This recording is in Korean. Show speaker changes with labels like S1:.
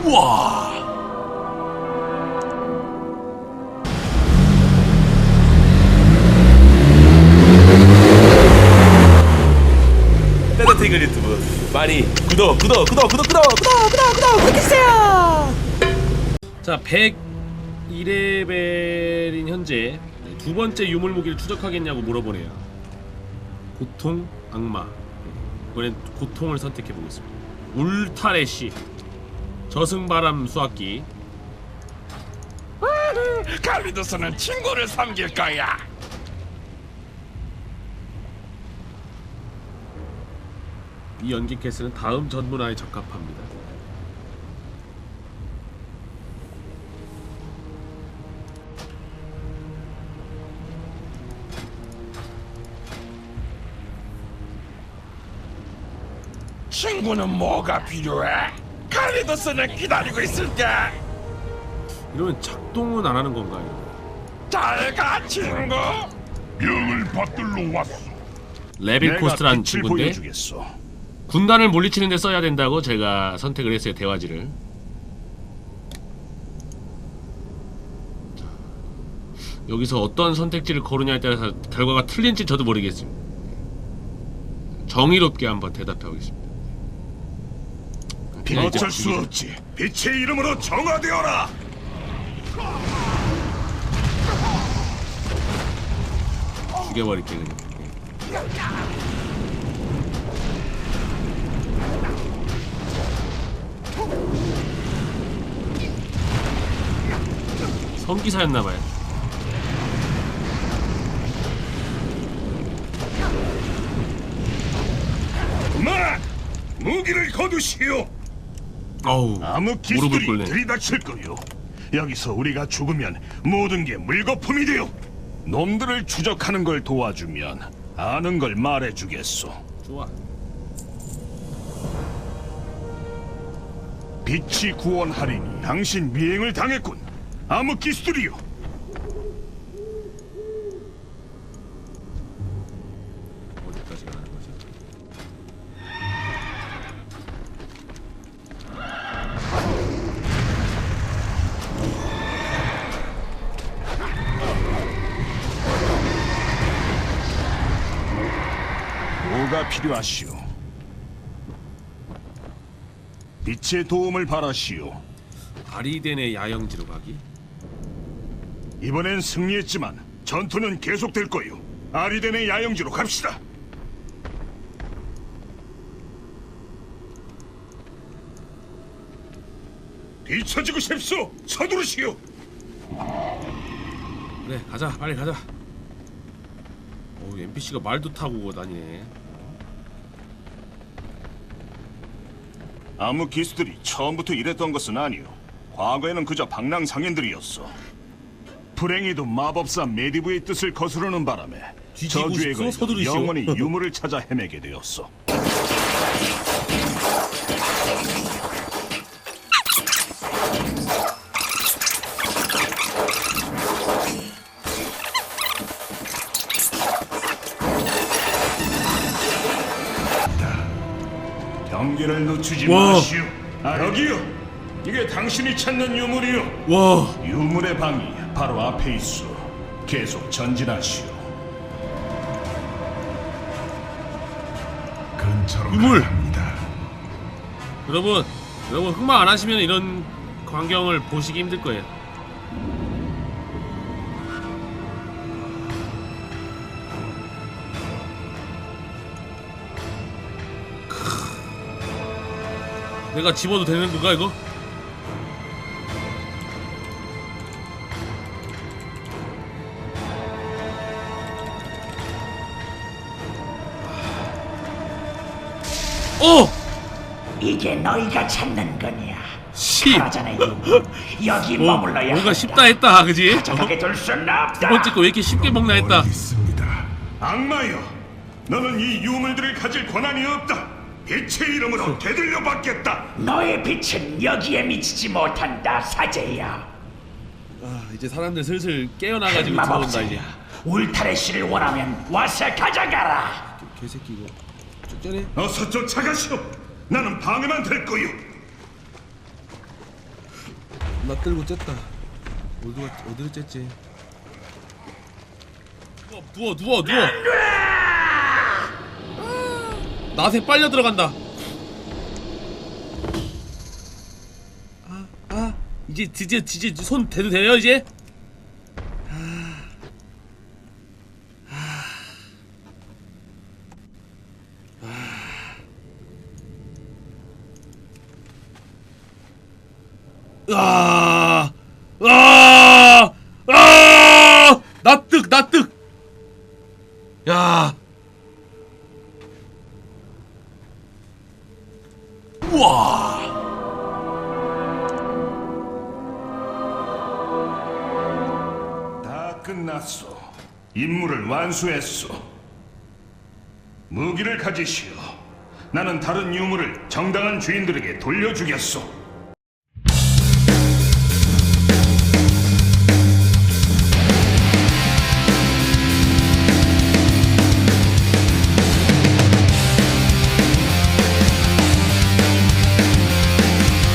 S1: 우와. 따뜻한 유튜브 많이 구독해주세요. 자, 102레벨인 현재 두 번째 유물 무기를 추적하겠냐고 물어보네요. 고통, 악마. 이번엔 고통을 선택해 보겠습니다. 울타레시, 저승바람 수학기.
S2: 칼리도스는 친구를 섬길 거야.
S1: 이 연기 캐스는 다음 전문화에 적합합니다.
S2: 친구는 뭐가 필요해? 칼리도스는 기다리고 있을게.
S1: 이러면 작동은 안 하는 건가요?
S2: 잘가 친구.
S3: 명을 받들러 왔소.
S1: 레빌코스트라는 친구인데
S3: 보여주겠소.
S1: 군단을 물리치는 데 써야 된다고 제가 선택을 했어요. 대화지를. 자, 여기서 어떤 선택지를 고르냐에 따라서 결과가 틀린지 저도 모르겠습니다. 정의롭게 한번 대답해 보겠습니다. 그냥 이제
S3: 어쩔 수 없지. 빛의 이름으로 정화되어라.
S1: 죽여버릴게 그냥. 성기사였나봐요.
S3: 그만! 무기를 거두시오.
S1: 어우,
S3: 아무
S1: 무릎을
S3: 기술이
S1: 꿇네.
S3: 들이닥칠 거요. 여기서 우리가 죽으면 모든 게 물거품이 되어. 놈들을 추적하는 걸 도와주면 아는 걸 말해주겠소.
S1: 좋아.
S3: 빛이 구원하리니 당신 미행을 당했군. 암흑기스들이요.
S1: 어디까지 가는 거지?
S3: 뭐가 필요하시오? 빛의 도움을 바라시오.
S1: 아리덴의 야영지로 가기?
S3: 이번엔 승리했지만 전투는 계속될 거요. 아리덴의 야영지로 갑시다. 뒤처지고 싶소. 서두르시오.
S1: 그래, 가자. 빨리 가자. 오, NPC가 말도 타고 다니네.
S3: 암흑기스들이 처음부터 이랬던 것은 아니오. 과거에는 그저 방랑상인들이었어. 불행히도 마법사 메디브의 뜻을 거스르는 바람에
S1: 뒤지고
S3: 저주에
S1: 싶소?
S3: 걸려
S1: 서두르시오.
S3: 영원히 유물을 찾아 헤매게 되었어. 경계를 늦추지
S1: 와.
S3: 마시오. 여기요. 이게 당신이 찾는 유물이요.
S1: 와,
S3: 유물의 방이 바로 앞에 있어. 계속 전진하시오. 근처로
S1: 유물!
S3: 갑니다.
S1: 여러분 흑마 안 하시면 이런 광경을 보시기 힘들 거예요. 내가 집어도 되는 건가 이거? 오!
S4: 이게 너희가 찾는 거냐?
S1: 씨.
S4: 사라져라 유물. 여기 머물러야
S1: 뭔가
S4: 한다.
S1: 쉽다 했다, 그지?
S4: 가져가게 둘 수는 없다.
S1: 두 번째 거 왜 이렇게 쉽게 먹나 했다.
S3: 있습니다. 악마여, 너는 이 유물들을 가질 권한이 없다. 빛의 이름으로 되들려 받겠다.
S4: 너의 빛은 여기에 미치지 못한다, 사제야.
S1: 아, 이제 사람들 슬슬 깨어나가지고 들어온다
S4: 마법사야.
S1: 이제.
S4: 울타레시를 원하면 와서 가져가라.
S1: 개새끼 이거 쭉전에
S3: 어서 쫓아가시오. 나는 방해만 될 거요.
S1: 나 들고 쨌다. 어디로 쨌지? 누워. 나한테 빨려 들어간다. 이제 드디어 손 대도 돼요 이제? 납득. 야. 우와.
S3: 다 끝났소. 임무를 완수했소. 무기를 가지시오. 나는 다른 유물을 정당한 주인들에게 돌려주겠소.